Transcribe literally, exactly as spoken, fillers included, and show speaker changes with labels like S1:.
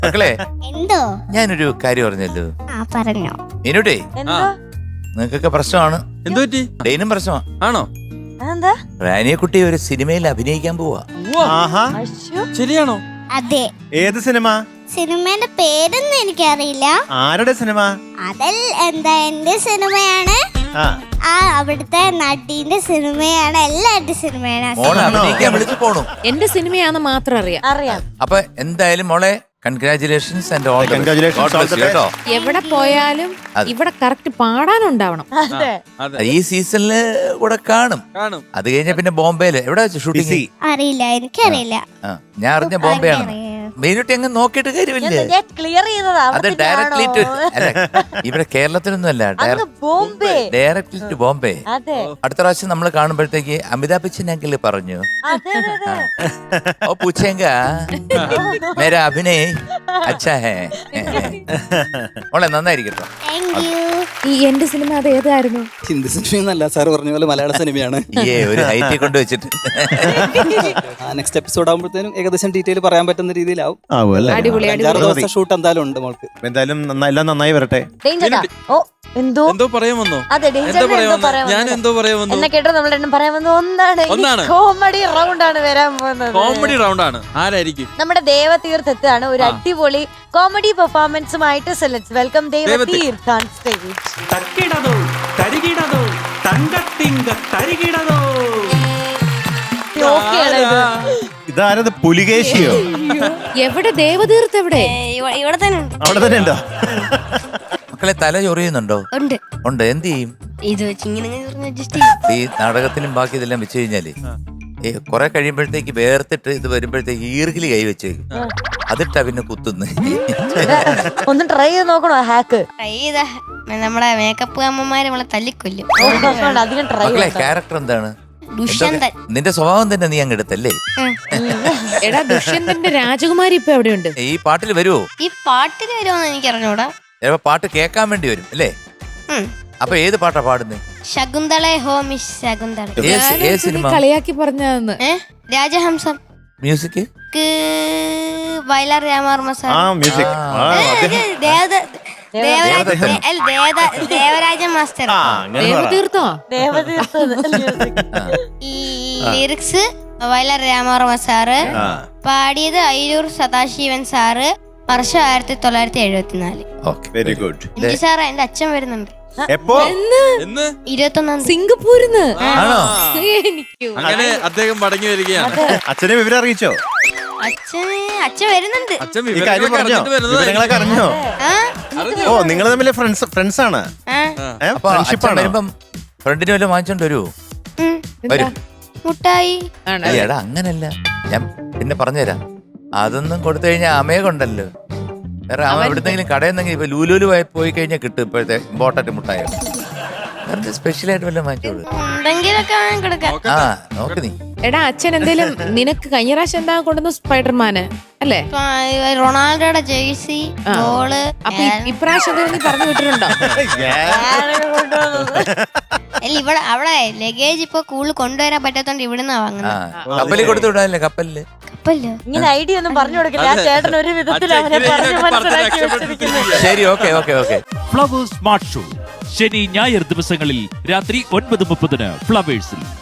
S1: മക്കളെ
S2: എന്തോ
S1: ഞാനൊരു കാര്യം പറഞ്ഞല്ലോ.
S2: ആ പറഞ്ഞോ.
S1: മീനുട്ടേ
S3: എന്താ
S1: നിങ്ങൾക്കൊക്കെ പ്രശ്നമാണ്.
S3: എന്തു പറ്റി?
S1: ഡെയിനും പ്രശ്നമാണ്.
S3: ആണോ?
S4: അതെന്താ?
S1: റാനിയെക്കുട്ടി ഒരു സിനിമയിൽ അഭിനയിക്കാൻ പോവാ.
S5: ആഹാ,
S3: ശരിയാണോ?
S2: അതെ.
S5: ഏത് സിനിമ?
S2: സിനിമയുടെ പേരൊന്നും എനിക്കറിയില്ല.
S5: ആരുടെ സിനിമ?
S2: അതിൽ എന്താ എന്റെ സിനിമയാണ്.
S5: ആ
S2: ആ അവിടുത്തെ നടീന്റെ സിനിമയാണ്. എല്ലാവരുടെ സിനിമയാണ്.
S1: മോളെ അഭിനയിക്കാൻ വിളിച്ചു പോണു.
S6: എന്റെ സിനിമയാന്ന് മാത്രം അറിയാം.
S4: അറിയാം.
S1: അപ്പൊ എന്തായാലും മോളെ congratulations and all
S5: Congratulations, all the best.
S1: കേട്ടോ.
S6: എവിടെ പോയാലും
S1: അതെ.
S6: ഇവിടെ കറക്റ്റ് പാടാനുണ്ടാവണം.
S4: അതെ.
S3: അതെ
S1: ഈ സീസണില് കൂടെ കാണും.
S3: കാണും.
S1: അത് കഴിഞ്ഞ പിന്നെ ബോംബെയില് എവിടെ വെച്ച് ഷൂട്ടിംഗ്?
S5: ബിസി.
S2: അറിയില്ല, എനിക്കറിയില്ല.
S1: ഞാൻ അറിഞ്ഞ ബോംബെയാണ്. മീനുട്ടി അങ്ങ് നോക്കിയിട്ട് കാര്യമില്ല.
S4: ഞാൻ ക്ലിയർ ചെയ്തതാ.
S1: അത് ഡയറക്ട്ലി ടു അല്ല, ഇവിടെ കേരളത്തിലൊന്നും അല്ല,
S4: അങ്ങ് ബോംബെ.
S1: Directly to Bombay.
S4: അതെ
S1: അടുത്ത പ്രാവശ്യം നമ്മൾ കാണുമ്പോഴത്തേക്ക് അമിതാഭ് ബച്ചൻ അങ്കിൾ പറഞ്ഞു,
S4: അതെ അതെ അതെ.
S1: ഓ പൂച്ചേങ്ക മേരാ അഭിനയ് അച്ഛാ ഹേ. മോളെ നന്നായിരിക്കട്ടോ.
S2: Thank you.
S6: ഈ എന്റെ സിനിമ അത് ഏതായിരുന്നു?
S7: ഹിന്ദി സിനിമയൊന്നല്ല സാർ പറഞ്ഞ പോലെ മലയാള സിനിമയാണ്.
S1: ഏ ഒരു ഹൈറ്റ് കൊണ്ട് വെച്ചിട്ട്
S7: നെക്സ്റ്റ് എപ്പിസോഡ് ആകുമ്പോഴത്തേനും ഏകദേശം ഡീറ്റെയിൽ പറയാൻ പറ്റുന്ന രീതിയിലാവും.
S5: ആവും അല്ലേ?
S6: അടിപൊളി,
S7: അഞ്ചാറ്
S5: അത് മതി.
S7: ദിവസം ഷൂട്ട് എന്തായാലും ഉണ്ട് മോൾക്ക്.
S5: എന്തായാലും നന്നായി- എല്ലാം നന്നായി വരട്ടെ.
S4: ഡേഞ്ചർ ഓ എന്തോ
S3: എന്തോ പറയാൻ വന്നോ?
S4: അതെ
S3: എന്തോ
S4: ഡേഞ്ചർ
S3: പറയാൻ
S4: എന്തോ
S3: വന്നു?
S4: പറയാൻ
S3: ഞാൻ
S4: വന്നു.
S3: എന്തോ പറയാൻ വന്നു?
S4: എന്നെ കേട്ടോ നമ്മൾ രണ്ടും പറയാൻ വന്നത് ഒന്നാണ്.
S3: ഒന്നാണ്.
S4: കോമഡി റൗണ്ട് ആണ് വരാൻ പോകുന്നത്.
S3: കോമഡി റൗണ്ട് ആണ്. ആരായിരിക്കും?
S4: നമ്മുടെ ദേവതീർത്ഥത്താണ് ഒരു അടിപൊളി കോമഡി പെർഫോമൻസുമായിട്ട് select welcome Devatheerth on stage.
S8: തക്കിടതോ തരികിടതോ തങ്കത്തിങ്ക തരികിടതോ.
S4: ഓക്കെയാണ് ഇത്.
S5: ഇതാരത്? പുലികേശിയോ?
S6: എവിടെ ദേവതീർത്ത്? എവിടെ?
S2: ഇവിടെ തന്നെ ഉണ്ട്.
S5: അവിടെ തന്നെ ഉണ്ടോ?
S1: മക്കളെ തല ചൊറിയുന്നുണ്ടോ?
S2: ഉണ്ട്.
S1: ഉണ്ട്. എന്ത് ചെയ്യും?
S2: ഇത് വെച്ച് ഇങ്ങനെ അഡ്ജസ്റ്റ് ചെയ്യും.
S1: ഈ നാടകത്തിലും ബാക്കി ഇതെല്ലാം വെച്ച് കഴിഞ്ഞാല് ഏ കുറെ കഴിയുമ്പോഴത്തേക്ക് വേർത്തിട്ട് ഇത് വരുമ്പോഴത്തേക്ക് ഈർക്കിലി കൈ വെച്ചേക്കും. അതിട്ടാ പിന്നെ കുത്തുന്നു.
S4: ഒന്ന് ട്രൈ ചെയ്ത് നോക്കണോ ഹാക്ക്?
S2: ട്രൈ ചെയ്താ നമ്മുടെ മേക്കപ്പ് അമ്മമാര് നമ്മളെ തല്ലിക്കൊല്ലും.
S4: അധികം ട്രൈ
S1: മക്കളെ ക്യാരക്ടർ എന്താണ്?
S2: ദുഷ്യന്തൻ.
S1: നിന്റെ സ്വഭാവം തന്നെ നീ അങ്ങ് എടുത്തല്ലേ?
S6: എടാ ദുഷ്യന്തന്റെ രാജകുമാരി ഇപ്പൊ എവിടെയുണ്ട്?
S1: ഈ പാട്ടിൽ വരുവോ?
S2: ഈ പാട്ടിന് വരുമോന്ന് എനിക്ക് അറിഞ്ഞൂടാ.
S1: ചിലപ്പോ പാട്ട് കേൾക്കാൻ വേണ്ടി വരും അല്ലേ? അപ്പൊ ഏത് പാട്ടാ പാടുന്നത്?
S2: ശകുന്തളെ ഹോ മിസ് ശകുന്തള.
S1: ഏത് ഏത് സിനിമ?
S6: കളിയാക്കി പറഞ്ഞതെന്ന്.
S2: ഏ രാജഹംസം.
S1: Music
S2: Vayalar Ramavarma sir.
S5: ആ മ്യൂസിക്. ആ, അദ്ദേഹം-
S2: ദേവത- ദേവരാജ
S1: ദേവദത്തൻ.
S2: അല്ല, ദേവദ- ദേവരാജ മാസ്റ്റർ.
S5: ആ, അങ്ങനെ പറ.
S6: ദേവതീർത്തോ?
S2: ഈ ലിറിക്സ് വയലാർ രാമവർമ്മ സാറ്,
S5: ആ.
S2: പാടിയത് അയിലൂർ സദാശിവൻ സാറ്. വർഷം ആയിരത്തി തൊള്ളായിരത്തി എഴുപത്തിനാല്.
S1: Okay
S5: very good.
S2: എന്റെ സാറ് എന്റെ അച്ഛൻ വരുന്നുണ്ട്
S5: എപ്പോ?
S3: എന്ന്
S2: ഇരുപത്തൊന്നാം തീയതി.
S6: സിംഗപ്പൂരിന്ന്.
S1: ആണോ?
S6: എനിക്കോ
S3: അങ്ങനെ അദ്ദേഹം മടങ്ങി വരികയാണ്.
S5: അച്ഛനെ വിവരം അറിയിച്ചോ?
S2: അച്ഛന് അച്ഛൻ വരുന്നുണ്ട്.
S3: അച്ഛൻ
S5: ഈ കാര്യം
S3: വിവരങ്ങളൊക്കെ
S5: പറഞ്ഞോ?
S3: അറിഞ്ഞിട്ട് വരുന്നത്.
S5: വിവരങ്ങളൊക്കെ അറിഞ്ഞോ?
S2: ആ
S3: അറിഞ്ഞു.
S5: ഓ, നിങ്ങൾ തമ്മിൽ ഫ്രണ്ട്സ് ഫ്രണ്ട്സ് ആണ്?
S2: ആ
S1: അപ്പൊ അച്ഛൻ
S5: ഫ്രണ്ട്ഷിപ്പ് ആണോ?
S1: വരുമ്പം ഫ്രണ്ടിന് വല്ലതും വാങ്ങിച്ചോണ്ട് വരുവോ?
S2: ഉം.
S1: വരും.
S2: മുട്ടായി.
S6: ആണ്.
S1: ഏയ് എടാ അങ്ങനല്ല, ഞാൻ പിന്നെ പറഞ്ഞുതരാം. അതൊന്നും കൊടുത്തു കഴിഞ്ഞാൽ അമയെ കൊണ്ടല്ലോ. വേറെ അവൻ എവിടുന്നെങ്കിലും കടയിൽ നിന്നെങ്കിലും ഇപ്പൊ ലൂലൂല് പോയി കഴിഞ്ഞാൽ കിട്ടും ഇപ്പോഴത്തെ ഇമ്പോർട്ടന്റ് മുട്ടായ. സ്പെഷ്യൽ ആയിട്ട് വല്ലതും വാങ്ങിച്ചോളൂ.
S2: എന്തെങ്കിലൊക്കെ കൊടുക്കാം.
S1: ആ നോക്ക് നീ.
S6: എടാ അച്ഛൻ എന്തേലും നിനക്ക് കഴിഞ്ഞ പ്രാവശ്യം എന്താ കൊണ്ടുവന്നു? സ്പൈഡർമാന് അല്ലേ?
S2: ഇപ്പൊ റൊണാൾഡോയുടെ ജേഴ്സി,
S6: ആ.
S2: ബോള്.
S6: അപ്പൊ ഇ- ഇപ്രാവശ്യം എന്തേലും നീ പറഞ്ഞു വിട്ടിട്ടുണ്ടോ?
S2: അല്ല ഇവിടെ അവിടെ ലഗേജ് ഇപ്പൊ കൂടുതൽ കൊണ്ടുവരാൻ പറ്റാത്തോണ്ട് ഇവിടുന്നാ
S1: ആ
S2: വാങ്ങുന്നത്.
S1: കപ്പലിൽ കൊടുത്തു വിടാനല്ലേ? കപ്പലില്
S2: കപ്പല്ലോ.
S4: ഇങ്ങനെ ഐഡിയ ഒന്നും പറഞ്ഞു കൊടുക്കില്ല. ആ ചേട്ടൻ ഒരു വിധത്തിൽ അവനെ പറഞ്ഞു മനസ്സിലാക്കി വെച്ചിരിക്കുന്നു.
S1: ശരി, okay okay okay.
S8: Flowers smart show ശനി ഞായർ ദിവസങ്ങളിൽ രാത്രി ഒൻപത് മുപ്പതിന് ഫ്ലവേഴ്സിൽ.